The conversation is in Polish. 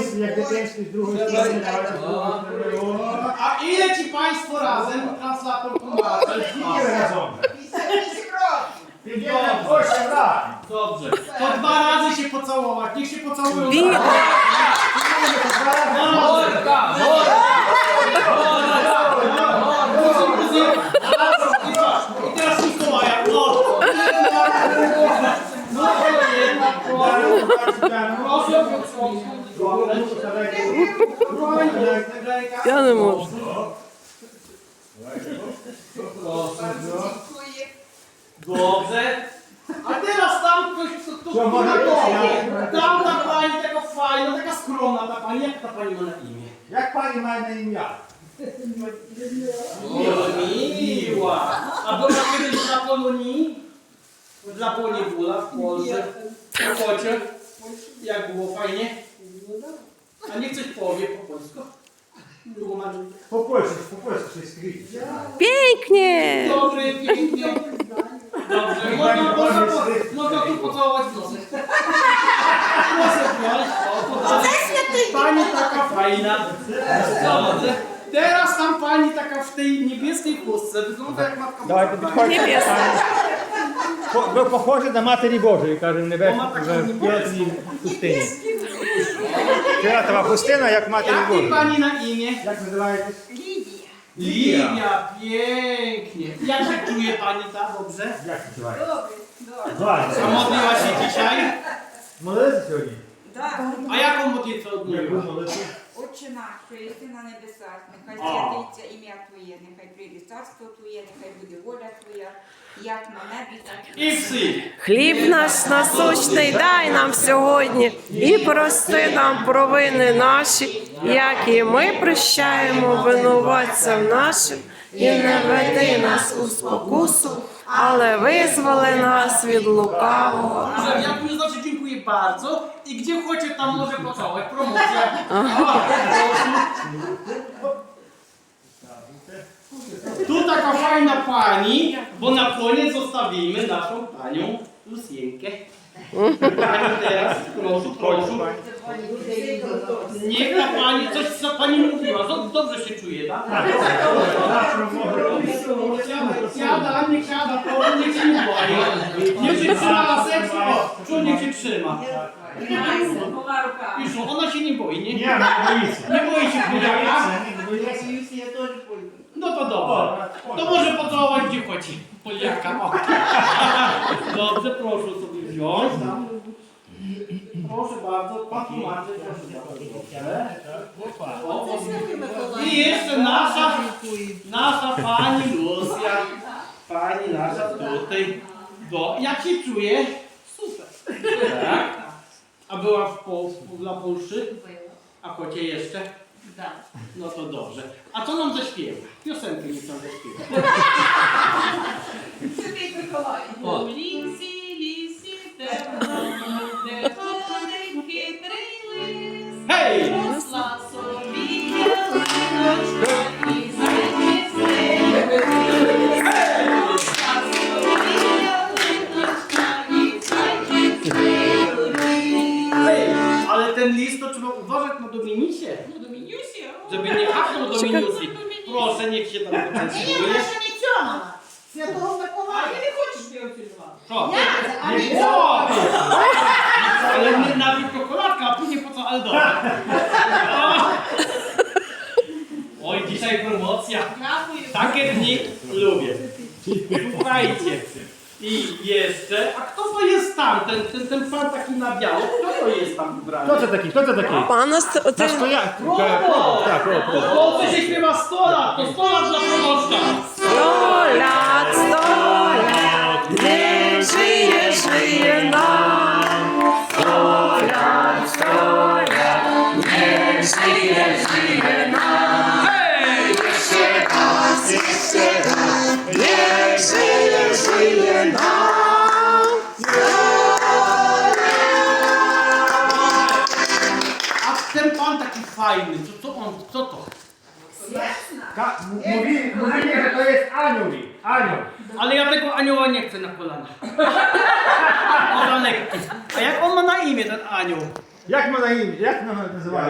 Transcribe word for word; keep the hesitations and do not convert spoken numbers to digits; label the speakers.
Speaker 1: jakby pięć z drugą stronę,
Speaker 2: A ile ci państwo razem translator tłumaczy?
Speaker 1: ile razem? pięćdziesiąt osiem lat.
Speaker 2: Dobrze. To dwa razy się pocałować. Niech się pocałują.
Speaker 3: Wi-
Speaker 2: Morda! I teraz Mikołaja.
Speaker 3: Ja nie можу.
Speaker 2: Dobrze. A teraz tam ktoś, kto, kto,
Speaker 1: Co może
Speaker 2: kto
Speaker 1: być?
Speaker 2: tam ta pani taka fajna, taka skromna ta pani. Jak ta pani ma na imię?
Speaker 1: Jak pani ma na imię?
Speaker 2: Miła. A była kiedyś na Polonii? Dla Poniewula w Polsce. W Kocie. Jak było fajnie? A niech coś powie po polsku. Było ma-
Speaker 1: Po polsku, po polsku się skryć.
Speaker 3: Pięknie!
Speaker 2: Dobry, pięknie. Dobrze, można, można, po, można tu pocałować w nosy. Proszę wziąć. O, podać. Pani taka fajna. Dobrze. Teraz tam pani taka w tej niebieskiej chustce. Wygląda jak matka
Speaker 1: Давай,
Speaker 2: Boża.
Speaker 1: підходь.
Speaker 3: Niebieska.
Speaker 1: Ви похожі на Матері Божої, каже Небесна
Speaker 2: Вона така
Speaker 1: в
Speaker 2: небесна.
Speaker 1: П'ятій пустині. Фіолетова пустина, як Матері
Speaker 2: Jakie
Speaker 1: Божої.
Speaker 2: pani na imię?
Speaker 1: Як називаєтесь?
Speaker 2: Lidia, pięknie. Jak się czuje pani ta? Dobrze?
Speaker 1: Як називаєтесь?
Speaker 4: Добре, добре.
Speaker 2: A
Speaker 1: Ваня.
Speaker 2: modliła się dzisiaj?
Speaker 1: Молилися сьогодні?
Speaker 4: Да.
Speaker 2: A jaką modlitwę
Speaker 1: Яку
Speaker 2: odmówiła?
Speaker 1: молитву?
Speaker 4: Отче наш, що єси на небесах, нехай святиться ім'я Твоє, нехай прийде царство Твоє, нехай буде воля Твоя, як на небі, так і
Speaker 2: I psy.
Speaker 3: Хліб наш насущний дай нам сьогодні і прости нам провини наші, як і ми прощаємо винуватцям нашим, і не веди нас у спокусу, але визволи нас від лукавого.
Speaker 2: Że ja tu znaczy dziękuję bardzo i gdzie chodzi tam może pocałować. Promocja. A, proszę. Tu taka fajna pani, bo na koniec zostawimy naszą panią Lusienkę. Pani teraz, proszę, proszę. Niech ta pani, coś co pani mówiła, Dob- dobrze się czuje, tak? Siada, niech siada, to niech się nie boi. Niech się trzyma na sercu, o, czuł, niech się trzyma. Już, ona się nie boi, nie?
Speaker 1: Ні, не боїться.
Speaker 2: Nie boi się Poliaka?
Speaker 1: Не боїться.
Speaker 2: No to dobrze. To może pocałować gdzie chodzi. Poliaka, o. Dobrze, proszę sobie wziąć. Proszę bardzo, pan tłumaczy, proszę bardzo. O, o. I jeszcze nasza, nasza pani Lucja. Pani nasza tutaj. Do, jak się czuje? Super. Tak? A była w Polsce, dla Polszy? A kocie jeszcze? No to dobrze. A co nam zaśpiewa? Piosenkę mi tam zaśpiewa. O.
Speaker 5: Лісі, лісі, темно, де ходить хитрий лис.
Speaker 2: Hej!
Speaker 5: Росла собі ялиночка і зайчий Росла собі ялиночка і зайчий
Speaker 2: Hej! Ale ten list to trzeba uważać na Dominisie,
Speaker 5: Ну, Домінюсі, о.
Speaker 2: żeby nie hachnął Dominiusi. Proszę, niech się tam
Speaker 5: Ні,
Speaker 2: poczęstuje.
Speaker 5: вона ще не цьому. Святого Миколая. А ти не хочеш б його цілувати?
Speaker 2: Co?
Speaker 5: А
Speaker 2: Nie
Speaker 5: ні.
Speaker 2: co? Ale nie najpierw czekoladka, a później po co? Ale dobra. Oj, dzisiaj promocja.
Speaker 5: Дякую.
Speaker 2: Takie dni lubię. Słuchajcie. I jeszcze, a kto to jest tam? Ten, ten, ten pan taki na biało, kto to jest tam ubrany?
Speaker 1: Хто це такий? Хто це такий?
Speaker 3: Пана ст-
Speaker 1: На
Speaker 3: ти-
Speaker 1: стояк.
Speaker 2: Promo!
Speaker 1: Так, о,
Speaker 2: To w Polsce się śpiewa sto lat, to sto lat dla promoczka.
Speaker 3: Сто лят, сто лят, не жиє, жиє нам. Сто лят, сто лят, не жиє, жиє нам.
Speaker 2: Hej!
Speaker 3: Ще раз, ще раз, не жиє, жиє нам.
Speaker 2: A ten pan taki fajny, co, co on, co to?
Speaker 1: Ка- м- Mówili, mówili, że to jest anioł. Anioł.
Speaker 2: Ale ja tego anioła nie chcę na kolana. On za lekki. A jak on ma na imię, ten anioł?
Speaker 1: Як ми на ім'я? Як ми називаємо?